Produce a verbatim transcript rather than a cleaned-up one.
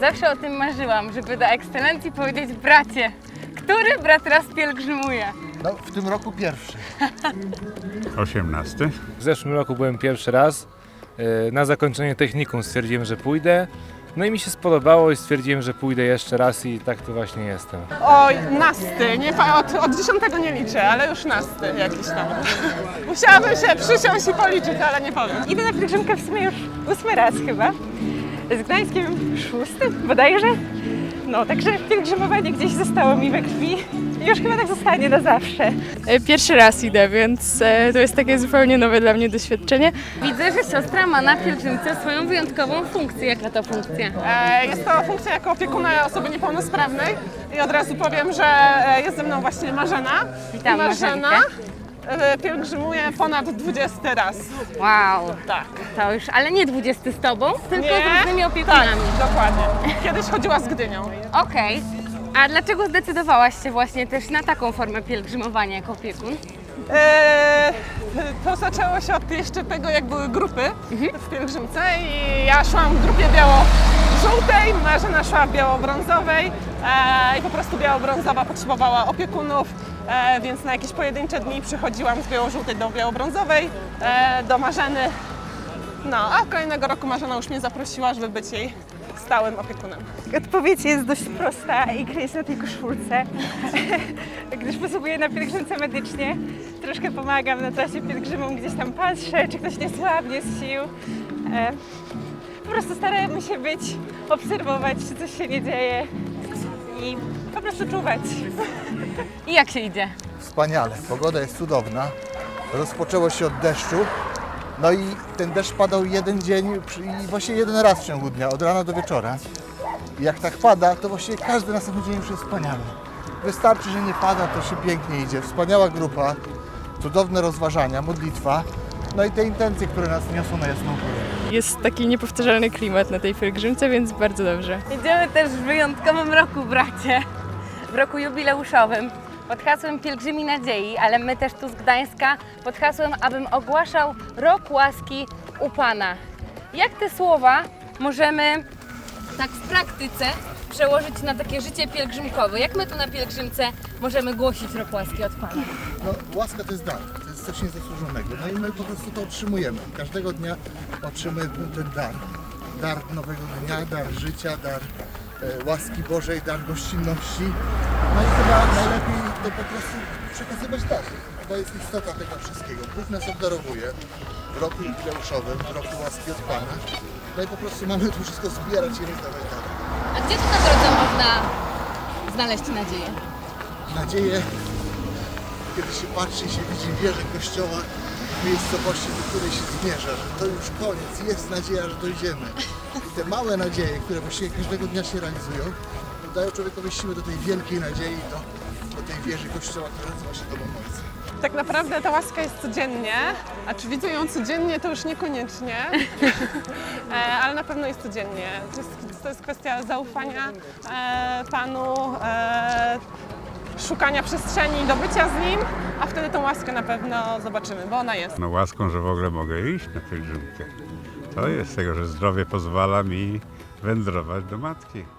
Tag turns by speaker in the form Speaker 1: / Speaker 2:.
Speaker 1: Zawsze o tym marzyłam, żeby do ekscelencji powiedzieć bracie. Który brat raz pielgrzymuje?
Speaker 2: No, w tym roku pierwszy.
Speaker 3: osiemnasty.
Speaker 4: W zeszłym roku byłem pierwszy raz. Na zakończenie technikum stwierdziłem, że pójdę. No i mi się spodobało i stwierdziłem, że pójdę jeszcze raz i tak tu właśnie jestem.
Speaker 5: Oj, nasty, nie, fa- od, od dziesiątego nie liczę, ale już nasty jakiś tam. Musiałabym się przysiąść i policzyć, ale nie powiem.
Speaker 6: Idę na pielgrzymkę w sumie już ósmy raz chyba. Z Gdańskiem szósty bodajże. No, także pielgrzymowanie gdzieś zostało mi we krwi i już chyba tak zostanie na zawsze.
Speaker 7: Pierwszy raz idę, więc to jest takie zupełnie nowe dla mnie doświadczenie.
Speaker 1: Widzę, że siostra ma na pielgrzymce swoją wyjątkową funkcję. Jaka to funkcja?
Speaker 5: E, Jest to funkcja jako opiekuna osoby niepełnosprawnej i od razu powiem, że e, jest ze mną właśnie Marzena.
Speaker 1: Witam,
Speaker 5: I Marzena
Speaker 1: Marzenkę.
Speaker 5: e, pielgrzymuje ponad dwudziesty raz.
Speaker 1: Wow,
Speaker 5: Tak.
Speaker 1: to już, ale nie dwudziesty z tobą, tylko
Speaker 5: Nie?
Speaker 1: z różnymi opiekunami.
Speaker 5: Tak, dokładnie. Kiedyś chodziła z Gdynią.
Speaker 1: Okej. A dlaczego zdecydowałaś się właśnie też na taką formę pielgrzymowania jako opiekun?
Speaker 5: E, To zaczęło się od jeszcze tego, jak były grupy w pielgrzymce i ja szłam w grupie biało-żółtej, Marzena szła w biało-brązowej e, i po prostu biało-brązowa potrzebowała opiekunów, e, więc na jakieś pojedyncze dni przychodziłam z biało-żółtej do biało-brązowej, e, do Marzeny. No, a kolejnego roku Marzena już mnie zaprosiła, żeby być jej stałym opiekunem.
Speaker 6: Odpowiedź jest dość prosta i kryje się na tej koszulce, gdyż posługuję na pielgrzymce medycznie. Troszkę pomagam na trasie pielgrzymom, gdzieś tam patrzę, czy ktoś nie słabnie z sił. E, po prostu staramy się być, obserwować, czy coś się nie dzieje i po prostu czuwać.
Speaker 1: I jak się idzie?
Speaker 2: Wspaniale. Pogoda jest cudowna. Rozpoczęło się od deszczu. No i ten deszcz padał jeden dzień przy- i właśnie jeden raz w ciągu dnia, od rana do wieczora. I jak tak pada, to właściwie każdy następny dzień już jest wspaniały. Wystarczy, że nie pada, to się pięknie idzie. Wspaniała grupa, cudowne rozważania, modlitwa. No i te intencje, które nas niosą na jasną górę.
Speaker 7: Jest taki niepowtarzalny klimat na tej pielgrzymce, więc bardzo dobrze.
Speaker 1: Idziemy też w wyjątkowym roku, bracie. W roku jubileuszowym. Pod hasłem Pielgrzymi Nadziei, ale my też tu z Gdańska pod hasłem, abym ogłaszał Rok Łaski u Pana. Jak te słowa możemy tak w praktyce przełożyć na takie życie pielgrzymkowe? Jak my tu na pielgrzymce możemy głosić Rok Łaski od Pana?
Speaker 2: No, łaska to jest dar, to jest coś niezasłużonego. No i my po prostu to otrzymujemy. Każdego dnia otrzymujemy ten dar. Dar nowego dnia, dar życia, dar e, łaski Bożej, dar gościnności. No i chyba najlepiej to po prostu przekazywać dalej. To jest istota tego wszystkiego. Bóg nas obdarowuje w roku jubileuszowym, w roku łaski od Pana. No i po prostu mamy to wszystko zbierać i rozdawać dalej.
Speaker 1: A gdzie tu na drodze można znaleźć nadzieję?
Speaker 2: Nadzieję, kiedy się patrzy i się widzi wieżę kościoła w miejscowości, do której się zmierza, że to już koniec, jest nadzieja, że dojdziemy. I te małe nadzieje, które właściwie każdego dnia się realizują, dają człowiekowi siłę do tej wielkiej nadziei, do, do tej wieży kościoła, która nazywa się Domem Ojca.
Speaker 5: Tak naprawdę ta łaska jest codziennie, a czy widzę ją codziennie, to już niekoniecznie, e, ale na pewno jest codziennie. To jest, to jest kwestia zaufania e, Panu, e, szukania przestrzeni do bycia z Nim, a wtedy tą łaskę na pewno zobaczymy, bo ona jest.
Speaker 3: No łaską, że w ogóle mogę iść na pielgrzymkę. To jest tego, że zdrowie pozwala mi wędrować do Matki.